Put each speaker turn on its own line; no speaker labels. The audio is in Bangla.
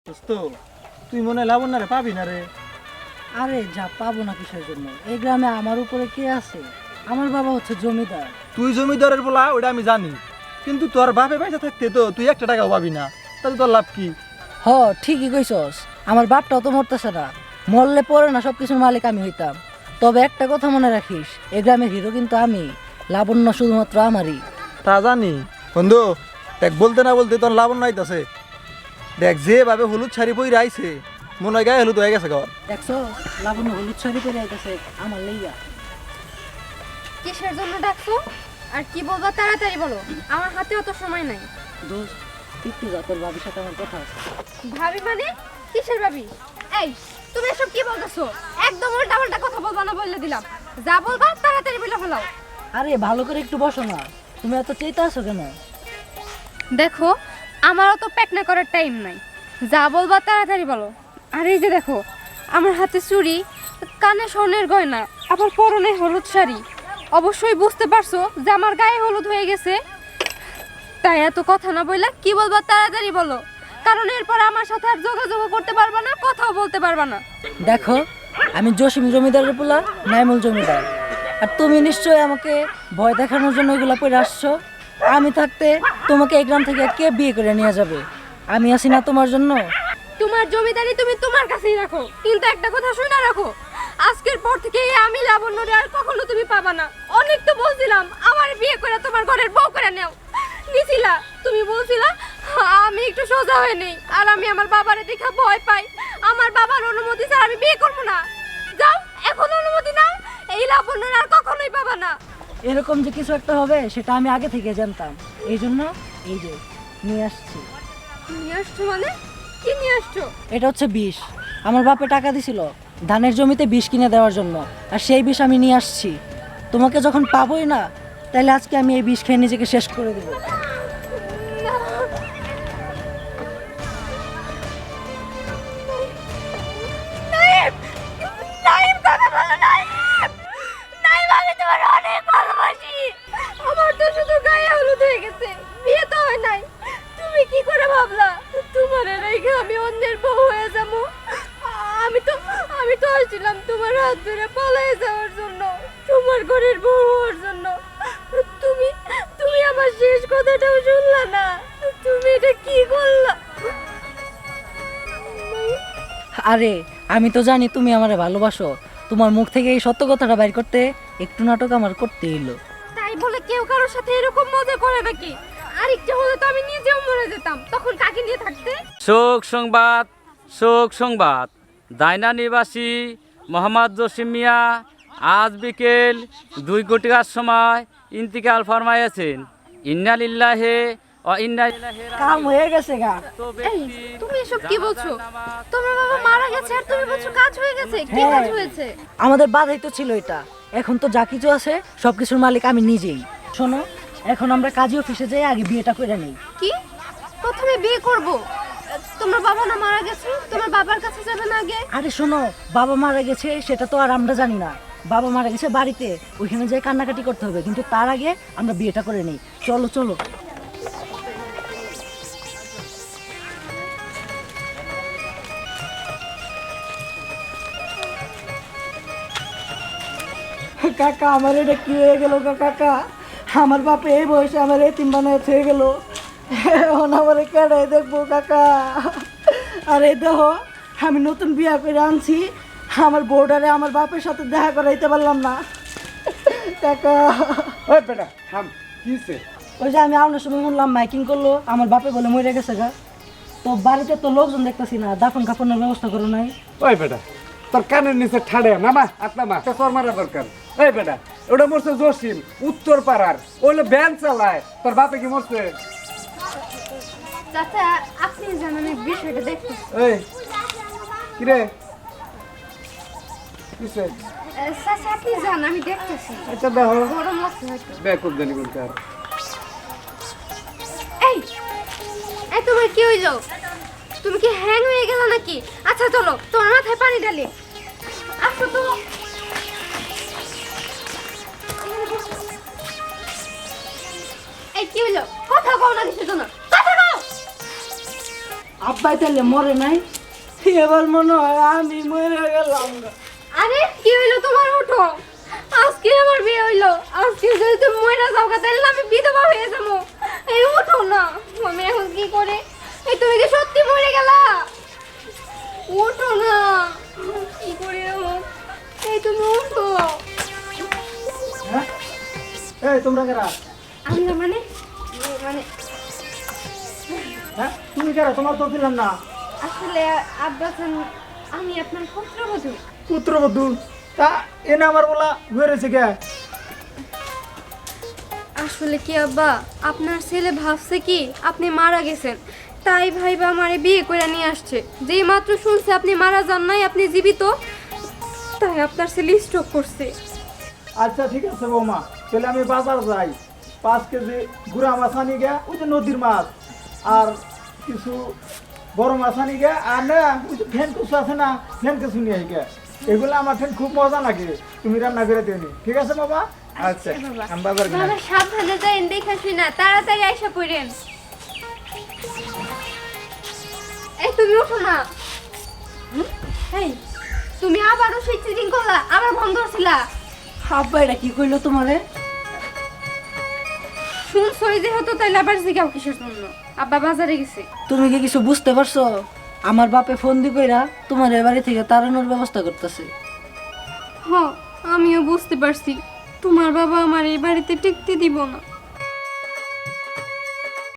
দোস্ত তুই মনে লাবণ্য রে পাবি না রে।
আরে যা পাবো না কিসের জন্য? এই গ্রামে আমার উপরে কে আছে? আমার বাবা হচ্ছে জমিদার।
তুই জমিদারের বলা ওটা আমি জানি, কিন্তু তোর বাপে পয়সা থাকতে তো তুই একটা টাকাও পাবি না, তাহলে তোর লাভ কি?
হ, ঠিকই কইছস। আমার বাপটাও তো মরতেছে না, মরলে পরে না সবকিছুর মালিক আমি হইতাম। তবে একটা কথা মনে রাখিস, এই গ্রামের হিরো কিন্তু আমি, লাবণ্য শুধুমাত্র আমারই।
তা জানি বন্ধু, দেখ বলতে না বলতে তোর লাবণ্য আইতাছে। দেখ যেভাবে হলুদ শাড়ি পরে আইছে, মনে হয় গায়ে হলুদ হয়ে গেছে ঘর।
দেখছো, লাবণ্য হলুদ শাড়ি পরে আইতেছে আমার লইয়া।
কিসের জন্য ডাকছো আর কি বলবা তাড়াতাড়ি বলো, আমার হাতে অত সময় নাই।
দোস্ত, একটু যা, তোর বাবির সাথে আমার কথা আছে।
ভাবি মানে কিসের ভাবি? এই তুমি এসব কি বলতেছো? একদম উল্টা কথা বলবা না বলে দিলাম। যা বলবা তাড়াতাড়ি বলে ফেলাও।
আরে ভালো করে একটু বসো না, তুমি এত চেতে আছো কেন?
দেখো, আমারও তো প্যাকনা করার টাইম নাই, যা বলবা তাড়াতাড়ি বলো। আর এই যে দেখো, আমার হাতে চুড়ি, কানে স্বর্ণের গয়না, আবার পরনে হলুদ শাড়ি। অবশ্যই বুঝতে পারছো যে আমার গায়ে হলুদ হয়ে গেছে। তাই এত কথা না বললা কি বলবা তাড়াতাড়ি বলো, কারণ এরপর আমার সাথে আর যোগাযোগ করতে পারবা না, কথাও বলতে পারবা না।
দেখো, আমি জসিম জমিদারের পোলা, নাইমুল জমিদার। আর তুমি নিশ্চয়ই আমাকে ভয় দেখানোর জন্য এগুলা পরে আসছো। আমি থাকতে তোমাকে এই গ্রাম থেকে কে বিয়ে করে নিয়ে যাবে? আমি আছি না তোমার জন্য।
তোমার জমিদারি তুমি তোমার কাছেই রাখো, কিন্তু একটা কথা শুনে রাখো, আজকের পর থেকে আমি লাবণ্যরে আর কখনো তুমি পাবা না। অনেক তো বলছিলাম আমার বিয়ে করে তোমার ঘরের বউ করে নেও, নিছিলা। তুমি বলছিলা আমি একটু সোজা হয়ে নেই, আর আমি আমার বাবারে দেখা ভয় পাই। আমার বাবার অনুমতি ছাড়া আমি বিয়ে করবো না। যাও, এখন অনুমতি নাও, এই লাবণ্যরে আর কখনোই পাবা না।
এরকম যে কিছু একটা হবে সেটা আমি আগে থেকে জানতাম, এই জন্য এই যে নিয়ে আসছি।
নিয়ে আসছো মানে? কি নিয়ে আসছো?
এটা হচ্ছে বিষ। আমার বাপে টাকা দিছিল ধানের জমিতে বিষ কিনে দেওয়ার জন্য, আর সেই বিষ আমি নিয়ে আসছি। তোমাকে যখন পাবোই না, তাহলে আজকে আমি এই বিষ খেয়ে নিজেকে শেষ করে দেবো।
নাইম! নাইম, কথা বলো নাইম! নাইম, আমি তোমার অনেক ভালোবাসি। আমার তো শুধু গায়ে হলুদ হয়ে গেছে, বিয়ে তো হয় নাই। তুমি কি করে ভাবলা তোমার রেখে আমি অন্যের বউ হয়ে যাবো? আমি তো আসছিলাম তোমার হাত ধরে পালিয়ে যাওয়ার জন্য, তোমার ঘরের বউ হওয়ার জন্য। তুমি তুমি আমার শেষ কথাটাও শুনলা না। তুমি এটা কি করলা?
আরে আমি তো জানি তুমি আমারে ভালোবাসো, তোমার মুখ থেকে এই সত্য কথাটা বাইর করতে একটু নাটক আমার করতে এলো।
তাই বলে কেউ কারোর সাথে এরকম মজা করে নাকি? আর একটু হলে তো আমি নিজেও মরে যেতাম, তখন কাকে নিয়ে থাকতে?
শোক সংবাদ, শোক সংবাদ। দায়না নিবাসী মোহাম্মদ জসিম মিয়া আজ বিকেল 2 ঘটিকার সময় ইন্তিকাল ফরমাইয়াছেন। ইন্না লিল্লাহি ওয়া ইন্না ইলাইহি
কাম হয়ে গেছে গা।
এই তুমি এসব কি বলছো? তোমার বাবা মারা গেছে আর তুমি বলছো কাজ হয়ে গেছে? কি কাজ হয়েছে?
আমাদের বাধাই তো ছিল এটা, এখন তো যা কিছু আছে সবকিছুর মালিক আমি নিজেই। শোনো, এখন আমরা কাজী অফিসে যাই, আগে বিয়েটা করে নেই।
কি? প্রথমে বিয়ে করব? তোমার বাবা না মারা গেছে, তোমার বাবার কাছে যাবে না আগে?
আরে শোনো, বাবা মারা গেছে সেটা তো আর আমরা জানি না। বাবা মারা গেছে বাড়িতে, ওইখানে যাই কান্নাকাটি করতে হবে, কিন্তু তার আগে আমরা বিয়েটা করে নেই। চলো চলো। কাকা, আমার এটা কি হয়ে গেল কাকা? আমার বাপে এই বয়সে আমার এতিম বানায় হয়ে গেল, এখন আমার কেডাই দেখবো কাকা? আরে দেখো, আমি নতুন বিয়া করে আনছি, আমার বউডারে আমার বাপের সাথে দেখা করাইতে পারলাম না কাকা।
ওই বেটা থাম, কি হইছে?
ওই যে আমি আউনের সময় শুনলাম মাইকিং করলো, আমার বাপে বলে মরে গেছে গা। তো বাড়িতে তো লোকজন দেখতেছি না, দাফন কাফনের ব্যবস্থা করো নাই?
ওই বেটা তোর কানের নিচে ঠাড়ে নামা, আত্মা তোর মারা দরকার। ওই বেটা ওটা মরছে জসিম, উত্তর পাড়ার, ওইলো ভ্যান চালায়। তোর বাপে কি মরছে?
চাচা, আপনি জানেন এই বিষয়টা দেখতে?
এই কিরে কিসে?
চাচা আপনি জান, আমি দেখতেছি।
আচ্ছা দেখো,
গরম লাগছে হয়তো।
বেকুব জানি কোনটা।
এই এই তোমার কি হইলো? তুমি কি হ্যাং হয়ে গেল নাকি? আচ্ছা চলো, তোমার মাথায় পানি ঢালি। আসো তো। এই কি হইলো? কথা কও না কিসের জন্য? কথা কও।
আব্বাই তাহলে মরে নাই, এবার মনে হয় আমি মরে গেলাম।
আরে কি হইলো তোমার? ওঠো, আজকে আমার বিয়ে হইলো। আজকে যদি তুমি মরে যাও তাহলে না আমি বিধবা হয়ে যাবো। এই ওঠো না, আমি এখন কি করে? এই তুমি কি সত্যি মরে গেলা? ওঠো না, কি করে হোক? এই তুমি ওঠো।
হ্যাঁ এই তোমরা কারা?
আমি না মানে মানে
হ্যাঁ তুমি কারা? তোমার তো দিলাম না।
আসলে আব্বাসান, আমি আপনার পুত্রবধূ।
পুত্রবধূ? তা এনে আমার বলা ঘুরেছে কে?
আসলে কি আব্বা, আপনার ছেলে ভাবছে কি আপনি মারা গেছেন, তাই ভাইবা আমারে বিয়ে করে নিয়ে আসছে। যেই মাত্র শুনছে আপনি মারা যান নাই, আপনি জীবিত, তাই আপনার ছেলে স্ট্রোক করছে।
আচ্ছা ঠিক আছে বৌমা, তাহলে আমি বাজার যাই, 5 কেজি গুড়া মাছ আনি গে, ওই যে নদীর মাছ, আর কিছু বড় মাছ আনি গে, আর না ওই যে ফ্যান কুচু আছে না, ফ্যান কুচু নিয়ে আই গে। এগুলো আমার ঠেন খুব মজা লাগে, তুমি রান্না করে দিও নি, ঠিক আছে বাবা? আচ্ছা
বাবা।
আমি বাজার গেলাম।
বাবা সাবধানে যাইন, দেখা শুই না, তাড়াতাড়ি আইসা পড়েন। এই তুমি ওঠো না। এই তুমি আবারও সেই চিটিং করলা, আবার বন্ধ করছিলা।
আব্বা এটা কি কইলো তোমারে?
শুনছই যেহেতু তাইলে আবার জিগাও কিসের জন্য? আব্বা বাজারে গেছে।
তুমি কি কিছু বুঝতে পারছো? আমার বাপে ফোন দি কইরা তোমার এ বাড়ি থেকে তাড়ানোর ব্যবস্থা করতেছে।
হ, আমিও বুঝতে পারছি তোমার বাবা আমার এই বাড়িতে টিকতে দিব না।